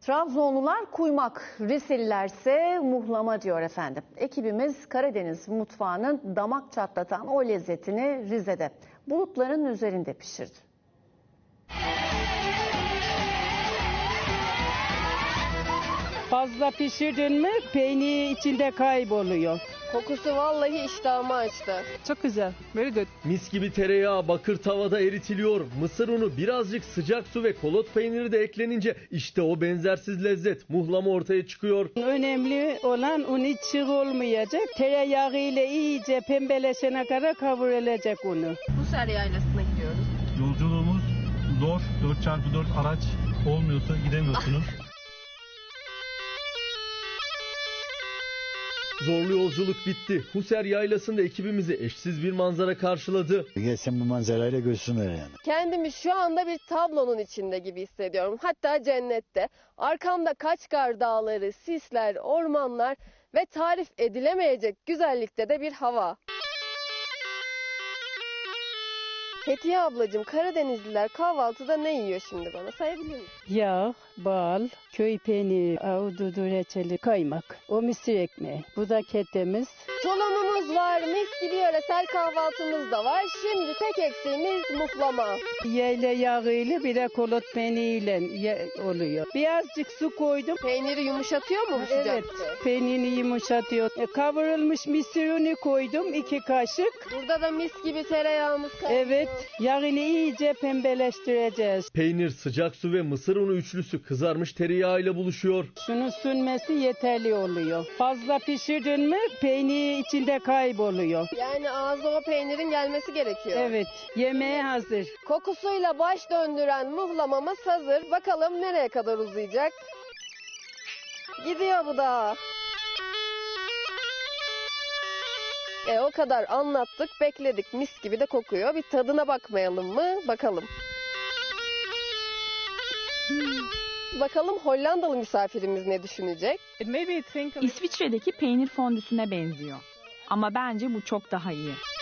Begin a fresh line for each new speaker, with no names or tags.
Trabzonlular kuymak, Riselilerse muhlama diyor efendim. Ekibimiz Karadeniz mutfağının damak çatlatan o lezzetini Rize'de bulutların üzerinde pişirdi.
Fazla pişirdin mi peynir içinde kayboluyor.
Kokusu vallahi iştahımı açtı.
Çok güzel. Very good.
Mis gibi tereyağı bakır tavada eritiliyor. Mısır unu, birazcık sıcak su ve kolot peyniri de eklenince işte o benzersiz lezzet muhlama ortaya çıkıyor.
Önemli olan unu çiğ olmayacak. Tereyağı ile iyice pembeleşene kadar kavrulacak unu.
Husar Yaylası'na gidiyoruz.
Yolculuğumuz zor. 4x4 araç olmuyorsa gidemiyorsunuz.
Zorlu yolculuk bitti. Huser Yaylası'nda ekibimizi eşsiz bir manzara karşıladı.
Gelsin bu manzarayla görsünler yani.
Kendimi şu anda bir tablonun içinde gibi hissediyorum. Hatta cennette. Arkamda Kaçkar Dağları, sisler, ormanlar ve tarif edilemeyecek güzellikte de bir hava. Fethiye ablacığım, Karadenizliler kahvaltıda ne yiyor şimdi, bana sayabilir misin?
Yağ, bal, köy peyniri, ahududu reçeli, kaymak. O mısır ekmeği. Bu da ketemiz.
Tulumumuz var, mis gibi yöresel kahvaltımız da var. Şimdi tek eksiğimiz muhlama.
Yayla yağıyla bir de kolot peyniriyle oluyor. Birazcık su koydum.
Peyniri yumuşatıyor mu bu sıcakta?
Evet, peynirini yumuşatıyor. Kavrulmuş mısır unu koydum 2 kaşık.
Burada da mis gibi tereyağımız kaynıyor.
Evet, yağını iyice pembeleştireceğiz.
Peynir, sıcak su ve mısır unu üçlüsü kızarmış tereyağıyla buluşuyor.
Şunun sünmesi yeterli oluyor. Fazla pişirdin mi peynir içinde kayboluyor.
Yani ağza o peynirin gelmesi gerekiyor.
Evet, yemeğe hazır.
Kokusuyla baş döndüren muhlamamız hazır. Bakalım nereye kadar uzayacak? Gidiyor bu da. O kadar anlattık, bekledik. Mis gibi de kokuyor. Bir tadına bakmayalım mı? Bakalım. Bakalım Hollandalı misafirimiz ne düşünecek?
İsviçre'deki peynir fondüsüne benziyor. Ama bence bu çok daha iyi.